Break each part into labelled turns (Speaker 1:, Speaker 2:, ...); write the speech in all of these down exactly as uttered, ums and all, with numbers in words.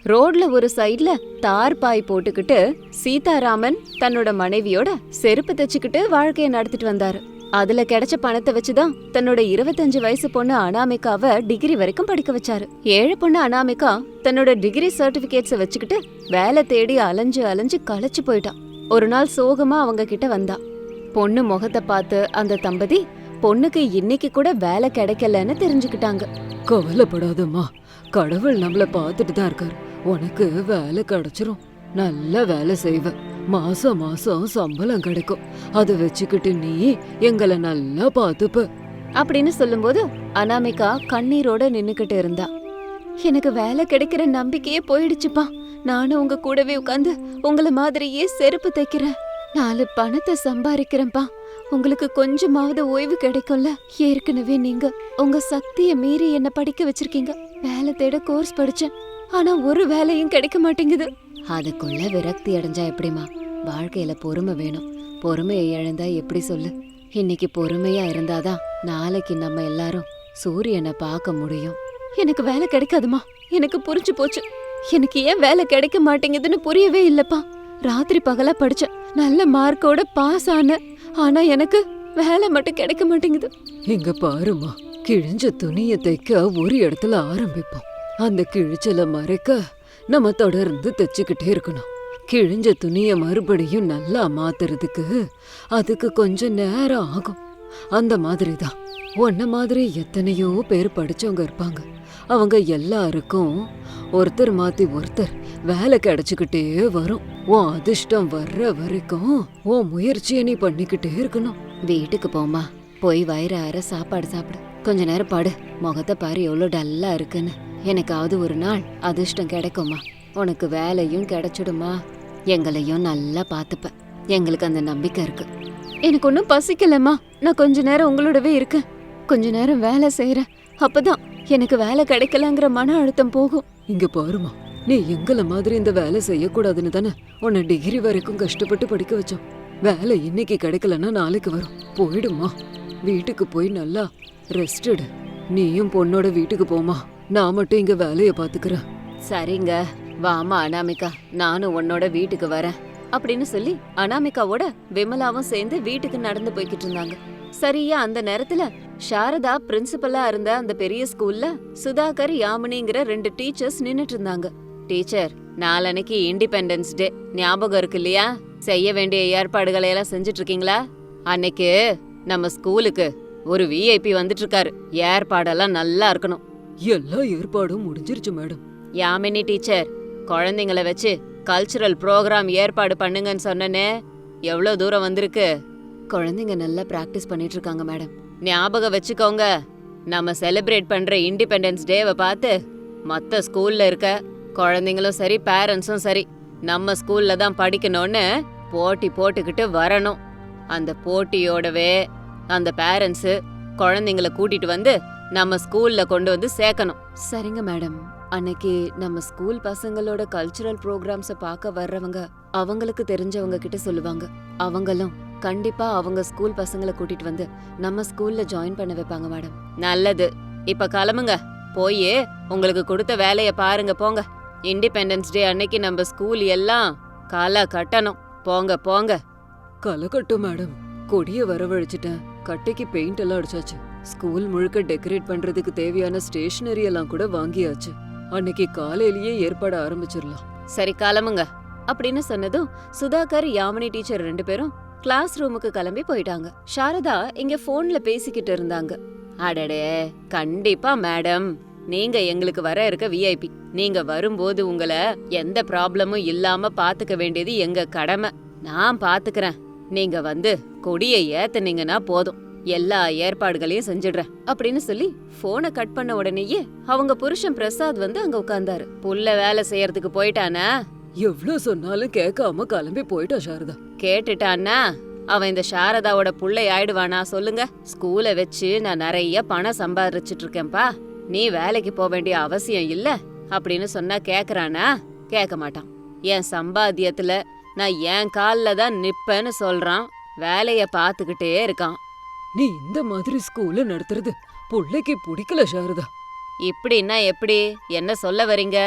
Speaker 1: ரோட்ல ஒரு சைடுல தார் பாய் போட்டுக்கிட்டு சீதாராமன் தன்னோட மனைவியோட செருப்பு தைச்சுக்கிட்டு வாழ்க்கைய நடத்திட்டு வந்தாரு. அதுல கிடைச்ச பணத்தை வச்சுதான் தன்னோட இருபத்தஞ்சு வயசு பொண்ணு அனாமிகாவை டிகிரி வரைக்கும் படிக்க வச்சாரு. ஏழு பொண்ணு அனாமிகா தன்னோட டிகிரி சர்டிபிகேட்ஸ வச்சுக்கிட்டு வேலை தேடி அலைஞ்சு அலைஞ்சு களைச்சு போயிட்டான். ஒரு நாள் சோகமா அவங்க கிட்ட வந்தா. பொண்ணு முகத்தை பார்த்து அந்த தம்பதி பொண்ணுக்கு இன்னைக்கு கூட வேலை கிடைக்கலன்னு தெரிஞ்சுக்கிட்டாங்க.
Speaker 2: கவலைப்படாதம்மா, கடவுள் நம்மள பாத்துட்டு தான் இருக்காரு. உனக்கு வேலை கிடைச்சிரும். நல்ல வேலை செய்வ, மாசம் மாசம் சம்பளம் கிடைக்கும். அதை வச்சுக்கிட்டு நீ எங்களை நல்லா பாத்துப்ப
Speaker 1: அப்படின்னு சொல்லும்போது அனாமிகா கண்ணீரோட நின்னுக்கிட்டு இருந்தா. எனக்கு வேலை கிடைக்கிற நம்பிக்கையே போயிடுச்சுப்பா. நானும் உங்க கூடவே உட்காந்து உங்கள மாதிரியே செருப்பு தைக்கிறேன். நாலு பணத்தை சம்பாதிக்கிறேன்ப்பா. உங்களுக்கு கொஞ்சமாவது ஓய்வு கிடைக்கும்ல. ஏற்கனவே நீங்க உங்க சக்திய மீறி என்ன படிக்க வச்சிருக்கீங்க. வேலை தேட கோர்ஸ் படிச்சேன், ஆனா ஒரு வேலையும் கிடைக்க மாட்டேங்குது. அதுக்குள்ள விரக்தி அடைஞ்சா எப்படிமா? வாழ்க்கையில பொறுமை வேணும். பொறுமையை இழந்தா எப்படி சொல்லு? இன்னைக்கு பொறுமையா இருந்தாதான் நாளைக்கு நம்ம எல்லாரும் சூரியனை பார்க்க முடியும். எனக்கு வேலை கிடைக்காதுமா, எனக்கு புரிஞ்சு போச்சு. எனக்கு ஏன் வேலை கிடைக்க மாட்டேங்குதுன்னு புரியவே இல்லப்பா. ராத்திரி பகலா படிச்சேன், நல்ல மார்க்கோட பாஸ் ஆன, ஆனா எனக்கு வேலை மட்டும் கிடைக்க மாட்டேங்குது.
Speaker 2: இங்க பாருமா, கிழிஞ்ச துணியை தைக்க ஒரு இடத்துல ஆரம்பிப்போம். அந்த கிழிச்சலை மறைக்க நம்ம தொடர்ந்து தைச்சுக்கிட்டே இருக்கணும். கிழிஞ்ச துணிய மறுபடியும் நல்லா மாத்துறதுக்கு அதுக்கு கொஞ்சம் நேரம் ஆகும். அந்த மாதிரிதான் உன்ன மாதிரி எத்தனையோ பேர் படிச்சவங்க இருப்பாங்க. அவங்க எல்லாருக்கும் ஒருத்தர் மாத்தி ஒருத்தர் வேலை கிடைச்சுக்கிட்டே வரும். உன் அதிர்ஷ்டம் வர்ற வரைக்கும் உன் முயற்சியை நீ பண்ணிக்கிட்டே இருக்கணும்.
Speaker 1: வீட்டுக்கு போமா, போய் வயிறார சாப்பாடு சாப்பிடு. கொஞ்ச நேரம் பாடு. முகத்தை பாரு எவ்வளவு டல்லா இருக்குன்னு. எனக்காவது ஒரு நாள் அதிர்ஷ்டம் கிடைக்குமா? உனக்கு வேலையும் கிடைச்சிடுமா? எங்களையும் நல்லா பாத்துப்ப. எங்களுக்கு அந்த நம்பிக்கை இருக்கு. எனக்கு ஒன்னும் பசிக்கலம்மா. நான் கொஞ்ச நேரம் உங்களோடவே இருக்கேன். கொஞ்ச நேரம் வேலை செய்யறேன். அப்பதான் எனக்கு வேலை கிடைக்கலங்கிற மன அழுத்தம் போகும்.
Speaker 2: இங்க பாருமா, நீ எங்களை மாதிரி இந்த வேலை செய்யக்கூடாதுன்னு தானே உன்னை டிகிரி வரைக்கும் கஷ்டப்பட்டு படிக்க வச்சோம். வேலை இன்னைக்கு கிடைக்கலன்னா நாளைக்கு வரும். போயிடுமா, வீட்டுக்கு போய் நல்லா ரெஸ்ட் எடு. நீயும் பொண்ணோட வீட்டுக்கு போமா, நான் மட்டும் இங்க வேலைய பாத்துக்கிறேன்.
Speaker 1: சரிங்க, வாமா அனாமிகா, நானும் உன்னோட வீட்டுக்கு வரேன் அப்படின்னு சொல்லி அனாமிகாவோட விமலாவும் சேர்ந்து வீட்டுக்கு நடந்து போய்கிட்டு இருந்தாங்க. சரியா அந்த நேரத்துல சாரதா பிரின்சிபலா இருந்த அந்த பெரிய ஸ்கூல்ல சுதாகர், யாமினிங்கிற ரெண்டு டீச்சர்ஸ் நின்னுட்டு இருந்தாங்க. டீச்சர், நாளன்னைக்கு இண்டிபெண்டன்ஸ் டே ஞாபகம் இருக்கு இல்லையா? செய்ய வேண்டிய ஏற்பாடுகளை எல்லாம் செஞ்சுட்டு இருக்கீங்களா? அன்னைக்கு நம்ம ஸ்கூலுக்கு ஒரு விஐபி வந்துட்டு இருக்காரு. ஏற்பாடெல்லாம் நல்லா இருக்கணும்.
Speaker 2: எல்லா ஏற்பாடும் முடிஞ்சிருச்சு மேடம்.
Speaker 1: யாமினி டீச்சர், குழந்தைங்கள வச்சு கல்ச்சுரல் ப்ரோக்ராம் ஏற்பாடு பண்ணுங்கன்னு சொன்னனே, எவ்வளவு தூரம் வந்திருக்கு? குழந்தைங்க நல்லா பிராக்டிஸ் பண்ணிட்டு இருக்காங்க மேடம். ஞாபகம் வச்சுக்கோங்க, நம்ம செலிப்ரேட் பண்ற இண்டிபெண்டன்ஸ் டேவை பார்த்து மத்த ஸ்கூல்ல இருக்க குழந்தைங்களும் சரி பேரண்ட்ஸும் சரி நம்ம ஸ்கூல்ல தான் படிக்கணும்னு போட்டி போட்டுக்கிட்டு வரணும். அந்த போட்டியோடவே அந்த பேரண்ட்ஸு குழந்தைங்கள கூட்டிட்டு வந்து நம்ம ஸ்கூல்ல கொண்டு வந்து சேர்க்கணும். சரிங்க மேடம். அன்னைக்கு நம்ம ஸ்கூல் பசங்களோட கல்ச்சுரல் ப்ரோக்ராம்ஸ பார்க்க வர்றவங்க அவங்களுக்கு தெரிஞ்சவங்க கிட்ட சொல்லுவாங்க. அவங்களும் கண்டிப்பா அவங்க ஸ்கூல் பசங்களை கூட்டிட்டு வந்து நம்ம ஸ்கூல்ல ஜாயின் பண்ண வைப்பாங்க மேடம். நல்லது, இப்ப கிளம்புங்க. போய் உங்களுக்கு கொடுத்த வேலைய பாருங்க, போங்க. இண்டிபெண்டன்ஸ் டே அன்னைக்கு நம்ம ஸ்கூல் எல்லாம் களை கட்டணும். போங்க போங்க.
Speaker 2: களை கட்டும் மேடம். கொடிய வரவழைச்சிட்டேன். கட்டைக்கு பெயிண்ட் எல்லாம் அடிச்சாச்சு. ஸ்கூல் முழுக்க டெக்கரேட் பண்றதுக்கு தேவையான ஸ்டேஷனரி எல்லாம் கூட வாங்கியாச்சு. அன்னைக்கு காலையிலேயே ஏற்பாடு ஆரம்பிச்சிடலாம்.
Speaker 1: சரி, கிளம்புங்க அப்படின்னு சொன்னதும் சுதாகர், யாமினி டீச்சர் ரெண்டு பேரும் கிளாஸ் ரூமுக்கு கிளம்பி போயிட்டாங்க. சாரதா இங்க போன்ல பேசிக்கிட்டு இருந்தாங்க. அடடே, கண்டிப்பா மேடம், நீங்க எங்களுக்கு வர இருக்க விஐபி. நீங்க வரும்போது உங்களை எந்த ப்ராப்ளமும் இல்லாம பாத்துக்க வேண்டியது எங்க கடமை. நான் பாத்துக்கிறேன். நீங்க வந்து கொடியை ஏத்துனீங்கன்னா போதும், எல்லா ஏற்பாடுகளையும் செஞ்சிடுறேன் அப்படின்னு சொல்லி போனை கட் பண்ண உடனேயே அவங்க புருஷன் பிரசாத் வந்து அங்க உட்கார்ந்தாரு. புள்ள வேலை செய்யறதுக்கு போயிட்டானா?
Speaker 2: எவ்வளவு சொன்னாலும் கேட்காம கிளம்பி போயிட்டா சாரதா.
Speaker 1: கேட்டுட்டான்னா அவன் இந்த சாரதாவோட புள்ளை ஆயிடுவானா சொல்லுங்க? ஸ்கூலை வச்சு நான் நிறைய பணம் சம்பாதிச்சுட்டு இருக்கேன்பா, நீ வேலைக்கு போக வேண்டிய அவசியம் இல்ல அப்படின்னு சொன்னா கேக்குறானா? கேட்க மாட்டான். என் சம்பாத்தியத்துல நான் என் கால்ல தான் நிப்பேன்னு சொல்றான். வேலைய பாத்துக்கிட்டே இருக்கான்.
Speaker 2: நீ இந்த மாதிரி ஸ்கூல்ல நடத்துறது புள்ளைக்கு பிடிக்கல சாரதா.
Speaker 1: இப்படின்னா எப்படி? என்ன சொல்ல வரீங்க?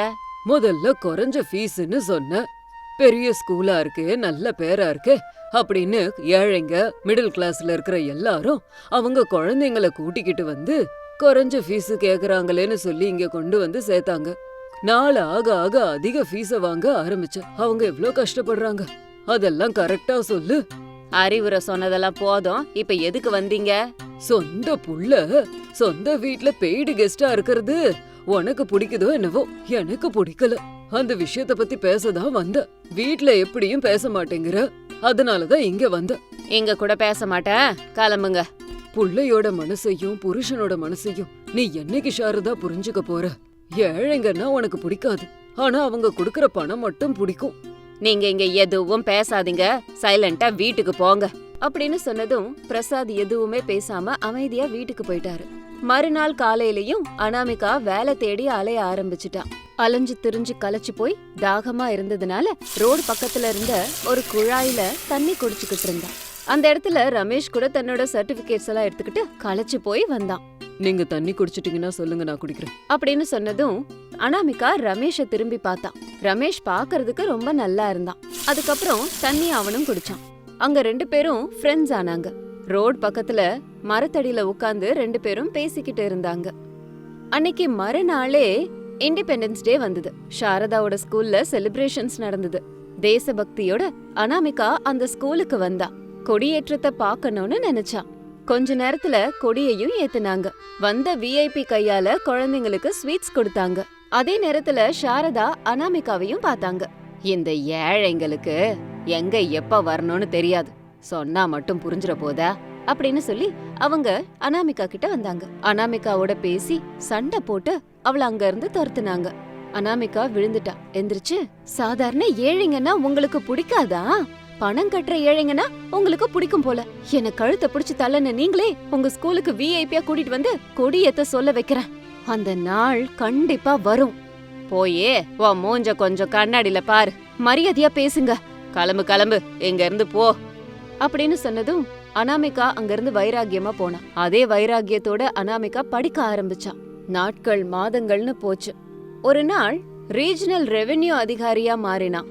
Speaker 2: முதல்ல குறைஞ்ச ஃபீஸ்னு சொன்ன. பெரிய ஸ்கூலா இருக்கு, நல்ல பேரா இருக்கு அப்படின்னு ஏழைங்க மிடில் கிளாஸ்ல இருக்கிற எல்லாரும் அவங்க குழந்தைங்கள கூட்டிக்கிட்டு வந்து குறைஞ்ச ஃபீஸ் கேக்குறாங்களேன்னு சொல்லி இங்க கொண்டு வந்து சேர்த்தாங்க. நாள் ஆக ஆக அதிக ஃபீஸ வாங்க ஆரம்பிச்ச. அவங்க எவ்ளோ கஷ்டப்படுறாங்க, அதெல்லாம் கரெக்டா சொல்லு.
Speaker 1: அறிவுரை சொன்னதெல்லாம் போதும், இப்ப எதுக்கு வந்தீங்க?
Speaker 2: சொந்த புள்ள சொந்த வீட்ல பெய்டு கெஸ்டா இருக்கிறது உனக்கு பிடிக்குதோ என்னவோ, எனக்கு பிடிக்கல. அந்த விஷயத்த பத்தி பேசதான் வந்த. வீட்ல எப்படியும் பேச மாட்டேங்கிற, அதனாலதான் இங்க வந்த.
Speaker 1: இங்க கூட பேச மாட்டேன், கிளம்புங்க.
Speaker 2: புள்ளையோட மனசையும் புருஷனோட மனசையும் நீ என்னைக்கு ஷாரதா புரிஞ்சுக்க போற? ஏழைங்கன்னா உனக்கு பிடிக்காது, ஆனா அவங்க குடுக்கற பணம் மட்டும் பிடிக்கும்.
Speaker 1: நீங்க இங்க எதுவும் பேசாதீங்க, சைலண்டா வீட்டுக்கு போங்க அப்படின்னு சொன்னதும் பிரசாத் எதுவுமே பேசாம அமைதியா வீட்டுக்கு போயிட்டாரு. மறுநாள் காலையிலயும் அனாமிகா வேலை தேடி அலைய ஆரம்பிச்சுட்டா. அலைஞ்சு திரிஞ்சு களைச்சு போய் தாகமா இருந்ததுனால ரோடு பக்கத்துல இருந்த ஒரு குழாயில தண்ணி குடிச்சுக்கிட்டு இருந்தா. அந்த இடத்துல ரமேஷ் கூட தன்னோட சர்டிபிகேட்ஸ் எல்லாம் எடுத்துக்கிட்டு களைச்சு போய் வந்தான்.
Speaker 2: நீங்க தண்ணி குடிச்சிட்டீங்கன்னா சொல்லுங்க, நான் குடிக்கிறேன்
Speaker 1: அப்படின்னு சொன்னதும் அனாமிகா ரமேஷ திரும்பி பார்த்தான். ரமேஷ் பாக்குறதுக்கு ரொம்ப நல்லா இருந்தான். அதுக்கப்புறம் தண்ணி அவனும் குடிச்சான். அங்க ரெண்டு பேரும் ஃப்ரெண்ட்ஸ் ஆனாங்க. ரோட் பக்கத்துல மரத்தடியில உட்கார்ந்து ரெண்டு பேரும் பேசிக்கிட்டு இருந்தாங்க. அன்னைக்கு மறுநாளே இண்டிபெண்டன்ஸ் டே வந்தது. சாரதாவோட ஸ்கூல்ல செலிப்ரேஷன்ஸ் நடந்தது. தேசபக்தியோட அனாமிகா அந்த ஸ்கூலுக்கு வந்தா. கொடியேற்றத்தை பார்க்கணும்னு நினைச்சா. கொஞ்ச நேரத்துல கொடியையும் ஏத்துனாங்க. வந்த விஐபி கையால குழந்தைங்களுக்கு ஸ்வீட்ஸ் கொடுத்தாங்க. அதே நேரத்துல சாரதா அனாமிகாவையும் பார்த்தாங்க. இந்த ஏழைங்களுக்கு எங்க எப்ப வரணும்னு தெரியாது, சொன்னா மட்டும் புரிஞ்சிட போதா அப்படின்னு சொல்லி அவங்க அனாமிகா கிட்ட வந்தாங்க. அனாமிகாவோட பேசி சண்டை போட்டு அவளை அங்க இருந்து துரத்துனாங்க. அனாமிகா விழுந்துட்டா. எந்திரிச்சு, சாதாரண ஏழைங்கன்னா உங்களுக்கு பிடிக்காதா? பணம் கட்டுற ஏழைங்கன்னா உங்களுக்கு பிடிக்கும் போல. என்ன கழுத்தை பிடிச்சு தள்ளன நீங்களே உங்க ஸ்கூலுக்கு விஐபியா கூட்டிட்டு வந்து கொடியேத்த சொல்ல வைக்கிறேன். அந்த நாள் கண்டிப்பா வரும். போயே உன் மூஞ்ச கொஞ்சம் கண்ணாடியில பாரு, மரியாதையா பேசுங்க, கிளம்பு கிளம்பு எங்க இருந்து போ அப்படின்னு சொன்னதும் அனாமிகா அங்கிருந்து வைராகியமா போனா. அதே வைராகியத்தோட அனாமிகா படிக்க ஆரம்பிச்சா. நாட்கள் மாதங்கள்னு போச்சு. ஒரு நாள் ரீஜனல் ரெவென்யூ அதிகாரியா மாறினான்.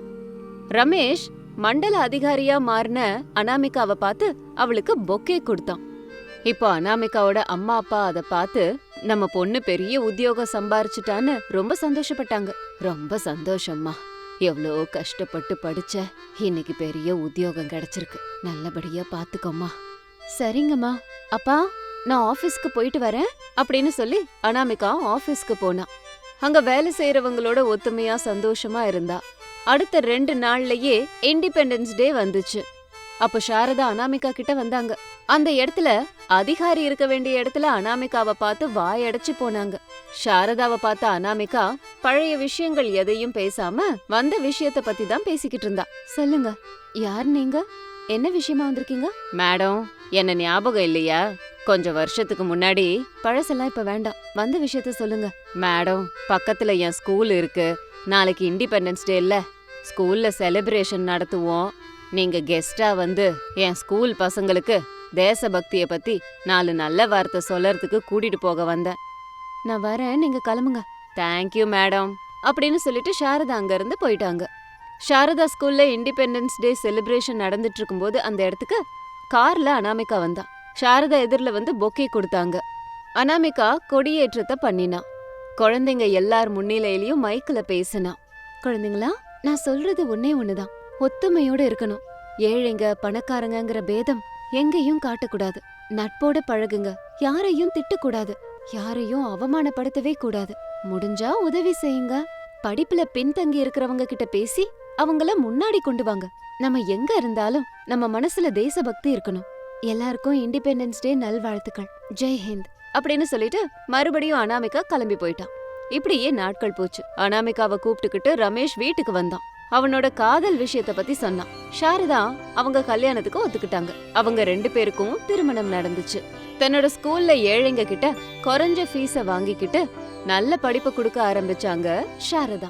Speaker 1: ரமேஷ் மண்டல அதிகாரியா மாறின அனாமிகாவை பார்த்து அவளுக்கு பொக்கே கொடுத்தான். இப்போ அனாமிகாவோட அம்மா அப்பா அதை பார்த்து நம்ம பொண்ணு பெரிய உத்தியோகம் சம்பாரிச்சுட்டான்னு ரொம்ப சந்தோஷப்பட்டாங்க. ரொம்ப சந்தோஷம்மா, எவ்வளோ கஷ்டப்பட்டு படிச்ச, இன்னைக்கு பெரிய உத்தியோகம் கிடைச்சிருக்கு, நல்லபடியா பாத்துக்கோமா. சரிங்கம்மா, அப்பா நான் ஆபீஸ்க்கு போயிட்டு வரேன் அப்படின்னு சொல்லி அனாமிகா ஆபீஸ்க்கு போனா. அங்க வேலை செய்யறவங்களோட ஒத்துமையா சந்தோஷமா இருந்தா. அடுத்த ரெண்டு நாள்லயே இண்டிபெண்டன்ஸ் டே வந்துச்சு. அப்ப சாரதா அனாமிகா கிட்ட வந்தாங்க. அந்த இடத்துல அதிகாரி இருக்க வேண்டிய இடத்துல அனாமிகாவை பார்த்து வாயடைச்சு போனாங்க. சாரதாவை பார்த்த அனாமிகா பழைய விஷயங்கள் எதையும் பேசாம வந்த விஷயத்த பத்தி தான் பேசிக்கிட்டு இருந்தா. சொல்லுங்க, யார் நீங்க? என்ன விஷயமா வந்திருக்கீங்க? மேடம், என்ன ஞாபகம் இல்லையா? கொஞ்சம் வருஷத்துக்கு முன்னாடி, பழசெல்லாம் இப்ப வேண்டாம், வந்த விஷயத்த சொல்லுங்க. மேடம், பக்கத்துல என் ஸ்கூல் இருக்கு. நாளைக்கு இண்டிபெண்டன்ஸ் டே இல்ல, ஸ்கூல்ல செலிப்ரேஷன் நடத்துவோம். நீங்க கெஸ்டா வந்து என் ஸ்கூல் பசங்களுக்கு தேசபக்திய பத்தி நாலு நல்ல வார்த்தை சொல்லறதுக்கு கூட்டிட்டு போக வந்தேன். நான் வரேன், நீங்க கிளம்புங்க. தேங்க்யூ மேடம் அப்படின்னு சொல்லிட்டு சாரதா அங்க இருந்து போயிட்டாங்க. சாரதா ஸ்கூல்ல இண்டிபெண்டன்ஸ் டே செலிப்ரேஷன் நடந்துட்டு இருக்கும்போது அந்த இடத்துக்கு கார்ல அனாமிகா வந்தா. சாரதா எதிரில வந்து பொக்கே கொடுத்தாங்க. அனாமிகா கொடியேற்றத்தை பண்ணினா. குழந்தைங்க எல்லார் முன்னிலையிலயும் மைக்ல பேசினா. குழந்தைங்களா, நான் சொல்றது ஒன்னே ஒண்ணுதான், ஒத்துமையோட இருக்கணும். ஏழைங்க பணக்காரங்கிற பேதம் எங்கேயும் காட்டக்கூடாது. நட்போட பழகுங்க, யாரையும் திட்டக்கூடாது, யாரையும் அவமானப்படுத்தவே கூடாது. முடிஞ்சா உதவி செய்யுங்க. படிப்புல பின்தங்கி இருக்கிறவங்க கிட்ட பேசி அவங்கள முன்னாடி கொண்டு வாங்க. நம்ம எங்க இருந்தாலும் நம்ம மனசுல தேசபக்தி இருக்கணும். எல்லாருக்கும் இண்டிபெண்டன்ஸ் டே நல்வாழ்த்துக்கள். ஜெய் ஹிந்த் அப்படின்னு சொல்லிட்டு மறுபடியும் அனாமிகா கிளம்பி போயிட்டான். இப்படியே நாட்கள் போச்சு. அனாமிகாவை கூப்பிட்டுக்கிட்டு ரமேஷ் வீட்டுக்கு வந்தான். அவனோட காதல் விஷயத்த பத்தி சொன்னான். சாரதா அவங்க கல்யாணத்துக்கு ஒத்துக்கிட்டாங்க. அவங்க ரெண்டு பேருக்கும் திருமணம் நடந்துச்சு. தன்னோட ஸ்கூல்ல ஏழைங்க கிட்ட குறைஞ்ச ஃபீஸ வாங்கிக்கிட்டு நல்ல படிப்பு கொடுக்க ஆரம்பிச்சாங்க சாரதா.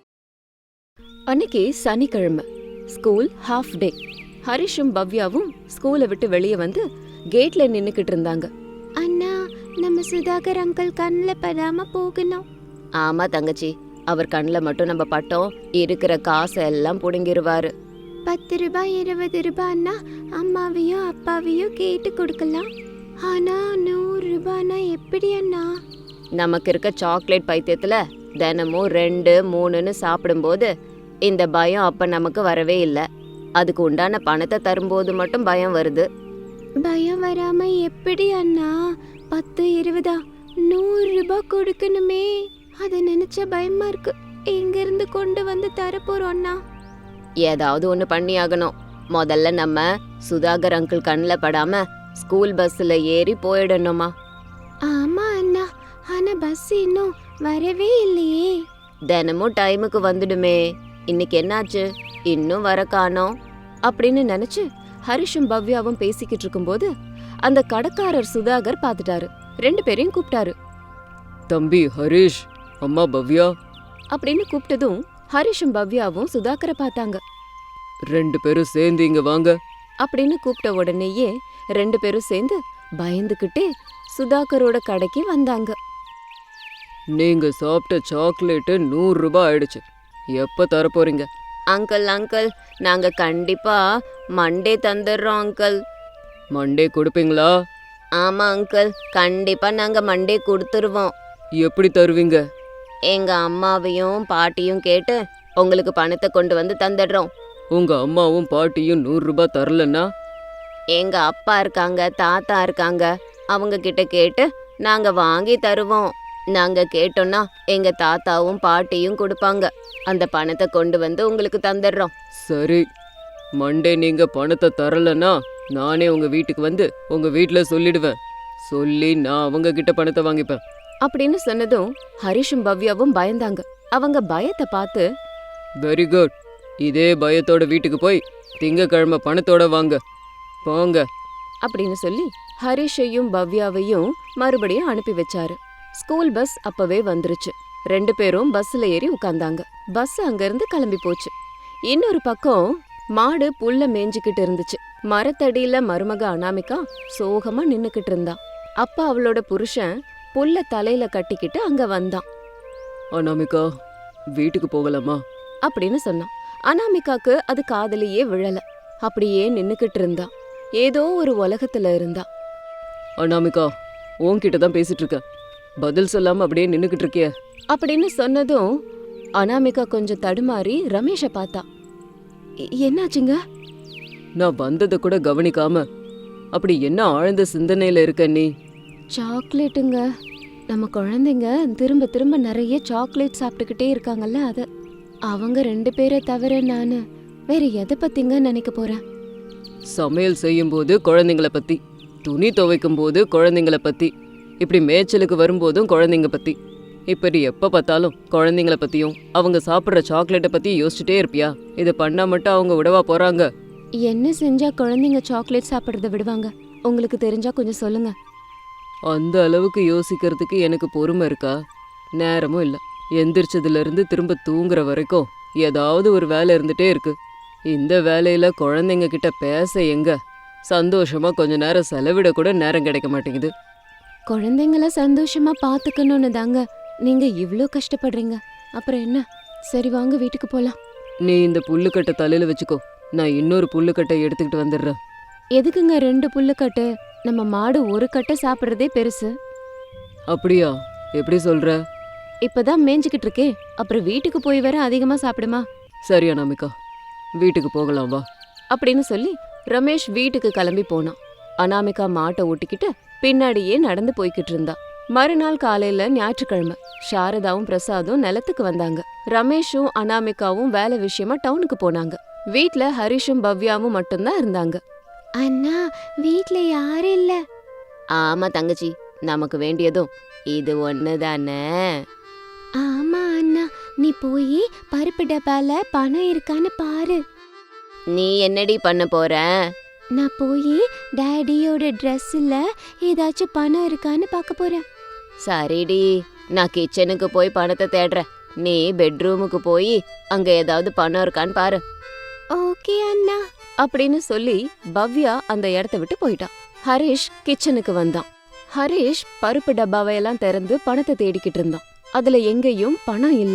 Speaker 1: அன்னைக்கு சனிக்கிழமை, ஸ்கூல் ஹாஃப் டே. ஹரிஷும் பவ்யாவும் ஸ்கூலை விட்டு வெளியே வந்து கேட்ல நின்னுக்கிட்டு இருந்தாங்க. அண்ணா, நம்ம சுதாகர் அங்கிள் கண்ணில் படாம போகணும். ஆமா தங்கச்சி, அவர் கண்ணில் மட்டும் நம்ம பட்டோம் இருக்கிற காசை எல்லாம் புடுங்கிருவாரு.
Speaker 3: பத்து ரூபாய் இருபது ரூபாய்னா அம்மாவையோ அப்பாவையோ கேட்டு கொடுக்கலாம். ஆனா நூறு ரூபாய்னா எப்படி அண்ணா?
Speaker 1: நமக்கு இருக்க சாக்லேட் பைத்தியத்துல தினமும் ரெண்டு மூணுன்னு சாப்பிடும்போது இந்த பயம் அப்ப நமக்கு வரவே இல்லை. அதுக்கு உண்டான பணத்தை தரும்போது மட்டும் பயம் வருது.
Speaker 3: பயம் வராம எப்படி அண்ணா? பத்து இருபதா நூறு ரூபாய் கொடுக்கணுமே, அதை நினைச்ச பயமா இருக்கு. எங்க இருந்து கொண்டு வந்து தரப்போறோம் அண்ணா?
Speaker 1: ஏதாவது ஒன்று பண்ணி ஆகணும். முதல்ல நம்ம சுதாகர் அங்கிள் கண்ணில் படாம ஸ்கூல் பஸ்ல ஏறி போயிடணுமா?
Speaker 3: ஆமா அண்ணா, ஆனா பஸ் இன்னும் வரவே இல்லையே.
Speaker 1: தினமும் டைமுக்கு வந்துடுமே, இன்னைக்கு என்னாச்சு இன்னும் வர காணோம் அப்படின்னு நினைச்சு ஹரிஷும் பவ்யாவும் பேசிக்கிட்டு இருக்கும்போது அந்த கடைக்காரர் சுதாகர் பார்த்துட்டாரு. ரெண்டு பேரையும் கூப்பிட்டாரு.
Speaker 2: தம்பி ஹரிஷ், அம்மா பவ்யா
Speaker 1: அப்படின்னு கூப்பிட்டதும் ஹரிஷும் பவ்யாவும் சுதாகரை பார்த்தாங்க.
Speaker 2: ரெண்டு பேரும் சேர்ந்து இங்க வாங்க
Speaker 1: அப்படின்னு கூப்பிட்ட உடனேயே ரெண்டு பேரும் சேர்ந்து பயந்துக்கிட்டே சுதாகரோட கடைக்கு வந்தாங்க.
Speaker 2: நீங்க சாப்பிட்ட சாக்லேட்டு நூறு ரூபாய் ஆயிடுச்சு. எப்ப தர போறீங்க?
Speaker 1: அங்கிள் அங்கிள் நாங்க கண்டிப்பா மண்டே தந்துடுறோம் அங்கிள்.
Speaker 2: மண்டே கொடுப்பீங்களா?
Speaker 1: ஆமா அங்கிள், கண்டிப்பா நாங்க மண்டே கொடுத்துருவோம்.
Speaker 2: எப்படி தருவீங்க?
Speaker 1: எங்க அம்மாவையும் பாட்டியும் கேட்டு உங்களுக்கு பணத்தை கொண்டு வந்து தந்துடுறோம்.
Speaker 2: உங்க அம்மாவும் பாட்டியும் நூறு ரூபாய் தரலன்னா?
Speaker 1: எங்க அப்பா இருக்காங்க, தாத்தா இருக்காங்க, அவங்க கிட்ட கேட்டு நாங்க வாங்கி தருவோம். நாங்க கேட்டோம்னா எங்க தாத்தாவும் பாட்டியும் கொடுப்பாங்க. அந்த பணத்தை கொண்டு வந்து உங்களுக்கு தந்துடுறோம்.
Speaker 2: சரி, மண்டே நீங்க பணத்தை தரலன்னா நானே உங்க வீட்டுக்கு வந்து உங்க வீட்டுல சொல்லிடுவேன். சொல்லி நான் அவங்க கிட்ட பணத்தை வாங்கிப்பேன்
Speaker 1: அப்படின்னு சொன்னதும் ஹரிஷும் பவ்யாவும் பயந்தாங்க. அவங்க பயத்தை பார்த்து,
Speaker 2: வெரி குட், இதே பயத்தோட வீட்டுக்கு போய் திங்கக்கிழமை பணத்தோட வாங்க போங்க
Speaker 1: அப்படின்னு சொல்லி ஹரிஷையும் பவ்யாவையும் மறுபடியும் அனுப்பி வச்சாரு. ஸ்கூல் பஸ் அப்பவே வந்துருச்சு. ரெண்டு பேரும் பஸ்ல ஏறி உட்கார்ந்தாங்க. பஸ் அங்கிருந்து கிளம்பி போச்சு. இன்னொரு பக்கம் மாடு புல்ல மேய்ஞ்சுக்கிட்டு இருந்துச்சு. மரத்தடியில மருமக அனாமிகா சோகமா நின்னுக்கிட்டு இருந்தா. அப்ப அவளோட புருஷன் புல்ல தலையில கட்டிக்கிட்டு அங்க வந்தான்.
Speaker 2: அனாமிகா, வீட்டுக்கு போகலாமா
Speaker 1: அப்படின்னு சொன்னான். அனாமிகாக்கு அது காதலியே விழல. அப்படியே நின்னுக்கிட்டு இருந்தா. ஏதோ ஒரு உலகத்துல இருந்தா.
Speaker 2: அனாமிகா, உன்கிட்ட தான் பேசிட்டு இருக்க, பதில் சொல்லாம அப்படியே நின்னுக்கிட்டு இருக்கிய
Speaker 1: அப்படின்னு சொன்னதும் அனாமிகா கொஞ்சம் தடுமாறி ரமேஷ பார்த்தா. "எ- என்னாச்சுங்க?"
Speaker 2: நான் வந்ததை கூட கவனிக்காம அப்படி என்ன ஆழ்ந்த சிந்தனையில இருக்க நீ?
Speaker 1: சாக்லேட்டுங்க. நம்ம குழந்தைங்க திரும்ப திரும்ப நிறைய சாக்லேட் சாப்பிட்டுக்கிட்டே இருக்காங்கல்ல, அத. அவங்க ரெண்டு பேரை தவிர நானு வேற எதை பத்திங்க நினைக்க போறேன்?
Speaker 2: சமையல் செய்யும் போது குழந்தைங்கள பத்தி, துணி துவைக்கும் போது குழந்தைங்கள பத்தி, இப்படி மேய்ச்சலுக்கு வரும்போதும் குழந்தைங்க பத்தி, இப்படி எப்ப பார்த்தாலும் குழந்தைங்கள பத்தியும் அவங்க சாப்பிட்ற சாக்லேட்டை பத்தி யோசிச்சுட்டே இருப்பியா? இதை பண்ணா மட்டும் அவங்க விடவா போறாங்க?
Speaker 1: என்ன செஞ்சா குழந்தைங்க சாக்லேட் சாப்பிட்றத விடுவாங்க? உங்களுக்கு தெரிஞ்சா கொஞ்சம் சொல்லுங்க.
Speaker 2: அந்த அளவுக்கு யோசிக்கிறதுக்கு எனக்கு பொறுமை இருக்கா? நேரமும் இல்லை. எந்திரிச்சதுல இருந்து திரும்ப தூங்குற வரைக்கும் ஏதாவது ஒரு வேலை இருந்துட்டே இருக்கு. இந்த வேலையில குழந்தைங்க கிட்ட பேச எங்க சந்தோஷமா கொஞ்ச நேரம் செலவிட கூட நேரம் கிடைக்க மாட்டேங்குது.
Speaker 1: குழந்தைங்கள சந்தோஷமா பாத்துக்கணும்னு தாங்க நீங்க இவ்ளோ கஷ்டப்படுறீங்க. அப்புறம் என்ன? சரி வாங்க வீட்டுக்கு போலாம்.
Speaker 2: நீ இந்த புல்லுக்கட்டை தலையில வச்சுக்கோ, நான் இன்னொரு புல்லுக்கட்டை எடுத்துக்கிட்டு வந்துடுறேன்.
Speaker 1: எதுக்குங்க ரெண்டு புல்லுக்கட்டு? நம்ம மாடு ஒரு கட்டை சாப்பிட்றதே பெருசு.
Speaker 2: அப்படியா? எப்படி சொல்ற?
Speaker 1: இப்பதான் மேய்ஞ்சுக்கிட்டு இருக்கே, அப்புறம் வீட்டுக்கு போய் வர அதிகமா சாப்பிடுமா?
Speaker 2: சரி அனாமிகா, வீட்டுக்கு போகலாம் வா
Speaker 1: அப்படின்னு சொல்லி ரமேஷ் வீட்டுக்கு கிளம்பி போனான். அனாமிகா மாட்டை ஓட்டிக்கிட்டு பின்னாடியே நடந்து போய்கிட்டு இருந்தா. மறுநாள் காலையில ஞாயிற்றுக்கிழமை. சாரதாவும் பிரசாதும் நிலத்துக்கு வந்தாங்க. ரமேஷும் அனாமிகாவும் வேலை விஷயமா டவுனுக்கு போனாங்க. வீட்ல ஹரிஷும் பவ்யாவும் மட்டும்தான் இருந்தாங்க.
Speaker 3: அண்ணா, வீட்ல யாரும் இல்ல.
Speaker 1: ஆமா தங்கச்சி, நமக்கு வேண்டியதும் இது ஒண்ணுதானே.
Speaker 3: ஆமா அண்ணா, நீ போய் பருப்பு டப்பால பணம் இருக்கான்னு பாரு.
Speaker 1: நீ என்னடி பண்ண போற?
Speaker 3: நான் போய் டாடியோட ட்ரெஸ்ல ஏதாச்சும் பணம் இருக்கான்னு பார்க்க போறேன்.
Speaker 1: சரிடி, நான் கிச்சனுக்கு போய் பணத்தை தேடுறேன். நீ பெட்ரூமுக்கு போய் அங்க ஏதாவது பணம் இருக்கான்னு பாரு.
Speaker 3: ஓகே அண்ணா.
Speaker 1: அப்படின்னு சொல்லி பவ்யா அந்த இடத்த விட்டு போயிட்டான். ஹரிஷ் கிச்சனுக்கு வந்தான். ஹரிஷ் பருப்பு டப்பாவை எல்லாம் திறந்து பணத்தை தேடிக்கிட்டு இருந்தான். அதுல எங்கேயும் பணம் இல்ல.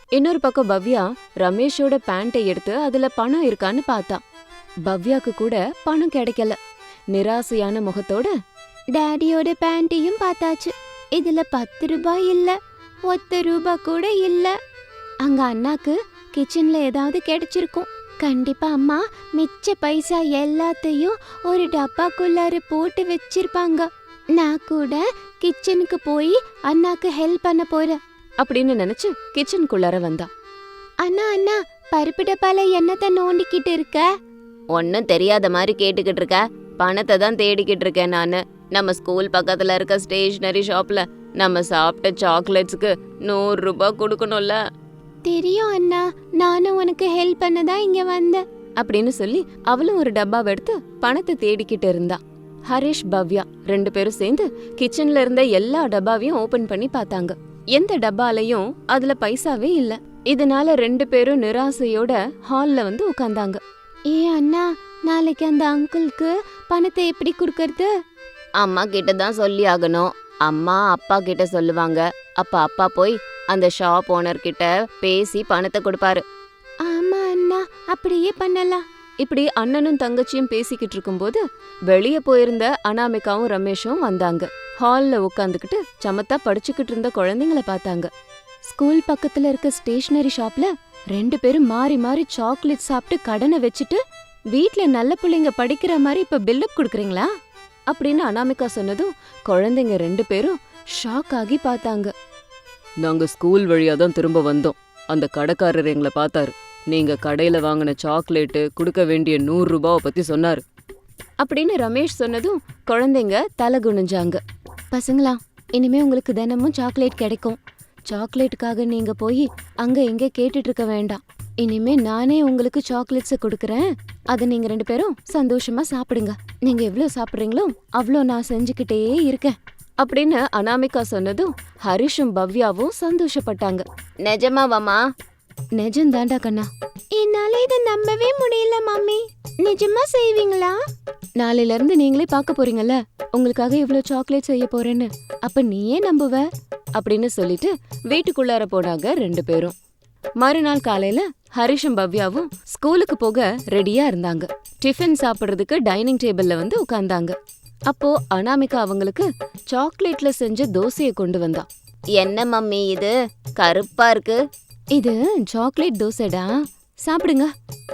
Speaker 1: இன்னொரு பக்கம் பவ்யா ரமேஷோட பேண்ட்டை எடுத்து அதுல பணம் இருக்கான்னு பார்த்தா. பவ்யாக்கு கூட பணம் கிடைக்கல. நிராசையான முகத்தோட
Speaker 3: டாடியோட பேண்ட்டையும் பார்த்தாச்சு, இதுல பத்து ரூபாய் இல்ல, ஒத்த ரூபாய் கூட இல்ல. அங்க அண்ணாக்கு கிச்சன்ல ஏதாவது கிடைச்சிருக்கும். கண்டிப்பா அம்மா மிச்ச பைசா எல்லாத்தையும் ஒரு டப்பாக்குள்ளார போட்டு வச்சிருப்பாங்க. நான் கூட கிச்சனுக்கு போய் அண்ணாக்கு ஹெல்ப் பண்ண போறேன்
Speaker 1: அப்படின்னு நினைச்சு கிச்சனுக்குள்ளார வந்தா.
Speaker 3: அண்ணா அண்ணா பருப்பு டப்பால என்னத்த நோண்டிக்கிட்டு இருக்க?
Speaker 1: ஒன்னும் தெரியாத மாதிரி கேட்டுக்கிட்டு இருக்க. பணத்தை தான் தேடிக்கிட்டு இருக்கேன் நானு. நம்ம ஸ்கூல் பக்கத்துல இருக்க ஸ்டேஷனரி ஷாப்ல நம்ம சாப்பிட்ட சாக்லேட்ஸ்க்கு நூறு ரூபாய் கொடுக்கணும்ல.
Speaker 3: தெரியும் அண்ணா, நானும் உனக்கு ஹெல்ப் பண்ணதான் இங்க வந்தேன்
Speaker 1: அப்படின்னு சொல்லி அவளும் ஒரு டப்பாவை எடுத்து பணத்தை தேடிக்கிட்டு இருந்தா. ஹரிஷ் பவ்யா ரெண்டு பேரும் சேர்ந்து கிச்சன்ல இருந்த எல்லா டப்பாவையும் ஓபன் பண்ணி பார்த்தாங்க. எந்த டப்பாலையும் அதுல பைசாவே இல்ல. இதனால ரெண்டு பேரும் நிராசையோட ஹால்ல வந்து உட்கார்ந்தாங்க.
Speaker 3: ஏ அண்ணா, நாளைக்கு அந்த அங்கிளுக்கு பணத்தை எப்படி கொடுக்கறது?
Speaker 1: அம்மா கிட்ட தான் சொல்லி ஆகணும். அம்மா அப்பா கிட்ட சொல்லுவாங்க. அப்ப அப்பா போய் அந்த ஷாப் ஓனர் கிட்ட பேசி பணத்தை கொடுப்பாரு.
Speaker 3: ஆமா அண்ணா, அப்படியே பண்ணலாம்.
Speaker 1: இப்படி அண்ணனும் தங்கச்சியும் பேசிக்கிட்டு இருக்கும்போது வெளியே போயிருந்த அனாமிகாவும் ரமேஷும் வந்தாங்க. ஹால்ல உட்காந்துக்கிட்டு சமத்தா படிச்சுக்கிட்டு இருந்த குழந்தைங்கள பார்த்தாங்க. ஸ்கூல் பக்கத்துல இருக்க ஸ்டேஷனரி ஷாப்ல ரெண்டு பேரும் மாறி மாறி சாக்லேட் சாப்பிட்டு கடனை வச்சுட்டு வீட்ல நல்ல பிள்ளைங்க படிக்கிற மாதிரி இப்ப பில்டப் கொடுக்குறீங்களா அப்படின்னு அனாமிகா சொன்னதும் குழந்தைங்க ரெண்டு பேரும் ஷாக் ஆகி பார்த்தாங்க.
Speaker 2: நாங்க ஸ்கூல் வழியா தான் திரும்ப வந்தோம். அந்த கடைக்காரர் எங்களை பார்த்தாரு. நீங்க கடையில வாங்கின சாக்லேட்டு கொடுக்க வேண்டிய நூறு ரூபாவை பத்தி சொன்னாரு
Speaker 1: அப்படின்னு ரமேஷ் சொன்னதும் குழந்தைங்க தலை குனிஞ்சாங்க. பசங்களா, இனிமே உங்களுக்கு தினமும் சாக்லேட் கிடைக்கும். சாக்லேட்டுக்காக நீங்க போய் அங்க இங்க கேட்டுட்டு இருக்க வேண்டாம். இனிமே நானே உங்களுக்கு சாக்லேட்ஸை கொடுக்கறேன். அதை நீங்க ரெண்டு பேரும் சந்தோஷமா சாப்பிடுங்க. நீங்க எவ்வளவு சாப்பிடுறீங்களோ அவ்வளோ நான் செஞ்சுக்கிட்டே இருக்கேன் அப்படின்னு அனாமிகா சொன்னதும் ஹரிஷும் பவ்யாவும் சந்தோஷப்பட்டாங்க. நிஜமாவாமா? நிஜம்தாண்டா கண்ணா.
Speaker 3: என்னால இதை நம்பவே முடியல மம்மி. நிஜமா செய்வீங்களா?
Speaker 1: நாளையில இருந்து நீங்களே பார்க்க போறீங்கல்ல, உங்களுக்காக இவ்வளவு சாக்லேட் செய்ய போறேன்னு. அப்ப நீயே நம்புவ அப்படின்னு சொல்லிட்டு வீட்டுக்குள்ளார போனாங்க ரெண்டு பேரும். மறுநாள் காலையில ஹரிஷும் பவ்யாவும் ஸ்கூலுக்கு போக ரெடியா இருந்தாங்க. டிஃபன் சாப்பிடுறதுக்கு டைனிங் டேபிள்ல வந்து உட்கார்ந்தாங்க. அப்போ அனாமிகா அவங்களுக்கு சாக்லேட்ல செஞ்ச தோசையை கொண்டு வந்தா. என்ன மம்மி இது கருப்பா இருக்கு? இது சாக்லேட் தோசைடா, சாப்பிடுங்க.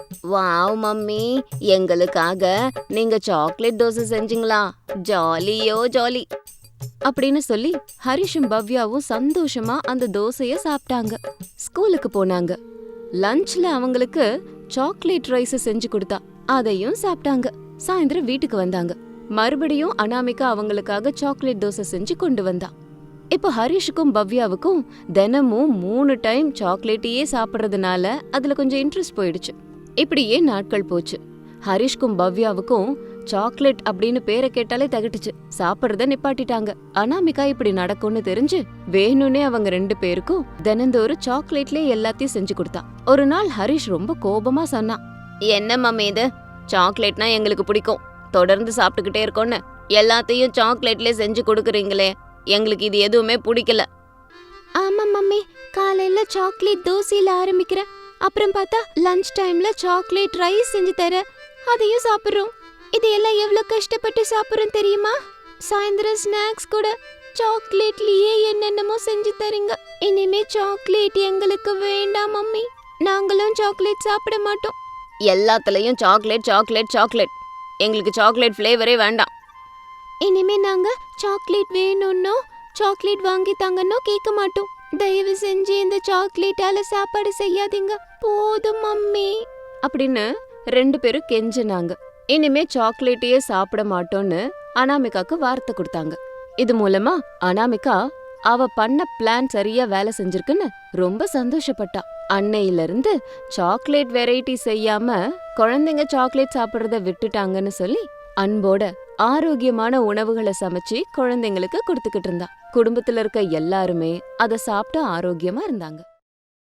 Speaker 1: வாவ் மம்மி, எங்களுக்காக நீங்க சாக்லேட் தோசை செஞ்சீங்களா? ஜாலியோ ஜாலி அப்படின்னு சொல்லி ஹரிஷும் பவ்யாவும் சந்தோஷமா அந்த தோசைய சாப்பிட்டாங்க. ஸ்கூலுக்கு போனாங்க. லஞ்ச்ல அவங்களுக்கு சாக்லேட் ரைஸ் செஞ்சு கொடுத்தா, அதையும் சாப்பிட்டாங்க. சாயந்தரம் வீட்டுக்கு வந்தாங்க. மறுபடியும் அனாமிகா அவங்களுக்காக சாக்லேட் தோசை செஞ்சு கொண்டு வந்தா. இப்போ ஹரிஷுக்கும் பவ்யாவுக்கும் தினமும் மூணு டைம் சாக்லேட்டையே சாப்பிட்றதுனால அதுல கொஞ்சம் இன்ட்ரெஸ்ட் போயிடுச்சு. இப்படியே நாட்கள் போச்சு. ஹரிஷ்கும் பவ்யாவுக்கும் சாக்லேட் அப்படின்னு பேரை கேட்டாலே தகட்டுச்சு. சாப்பிட்றத நிப்பாட்டிட்டாங்க. அனாமிகா இப்படி நடக்கும்னு தெரிஞ்சு வேணும்னே அவங்க ரெண்டு பேருக்கும் தினந்தோறும் சாக்லேட்லயே எல்லாத்தையும் செஞ்சு கொடுத்தா. ஒரு நாள் ஹரிஷ் ரொம்ப கோபமா சொன்னான். என்ன மம்மி இது? சாக்லேட்னா எங்களுக்கு பிடிக்கும், தொடர்ந்து சாப்பிட்டுக்கிட்டே இருக்கோன்னு எல்லாத்தையும் சாக்லேட்லயே செஞ்சு கொடுக்குறீங்களே, எங்களுக்கு இது எதுவுமே பிடிக்கல.
Speaker 3: ஆமா மம்மி, காலையில சாக்லேட் தோசையில ஆரம்பிக்கிறேன், அப்புறம் பார்த்தா லஞ்ச் டைம்ல சாக்லேட் ரைஸ் செஞ்சு தர, அதையும் சாப்பிடுறோம். இதையெல்லாம் எவ்வளவு கஷ்டப்பட்டு சாப்பிடுறோம் தெரியுமா? சாயந்தரம் ஸ்நாக்ஸ் கூட சாக்லேட்லயே என்னென்னமோ செஞ்சு தரீங்க. இனிமே சாக்லேட் எங்களுக்கு வேண்டாம் மம்மி, நாங்களும் சாக்லேட் சாப்பிட மாட்டோம்.
Speaker 1: எல்லாத்துலயும் சாக்லேட் சாக்லேட் சாக்லேட், எங்களுக்கு சாக்லேட் ஃப்ளேவரே வேண்டாம்.
Speaker 3: இனிமே நாங்க சாக்லேட் வேணும்னோ சாக்லேட் வாங்கி தாங்கன்னோ கேட்க மாட்டோம். தயவு செஞ்சு இந்த சாக்லேட்டால சாப்பாடு செய்யாதீங்க, போதும் மம்மி
Speaker 1: அப்படின்னு ரெண்டு பேரும் கெஞ்சினாங்க. இனிமே சாக்லேட்டையே சாப்பிட மாட்டோம்னு அனாமிகாக்கு வார்த்தை கொடுத்தாங்க. இது மூலமா அனாமிகா அவ பண்ண பிளான் சரியா வேலை செஞ்சிருக்குன்னு ரொம்ப சந்தோஷப்பட்டா. அன்னையில இருந்து சாக்லேட் வெரைட்டி செய்யாம குழந்தைங்க சாக்லேட் சாப்பிடுறத விட்டுட்டாங்கன்னு சொல்லி அன்போட ஆரோக்கியமான உணவுகளை சமைச்சு குழந்தைங்களுக்கு கொடுத்துக்கிட்டு இருந்தா. குடும்பத்துல இருக்க எல்லாருமே அதை சாப்பிட்டு ஆரோக்கியமா இருந்தாங்க.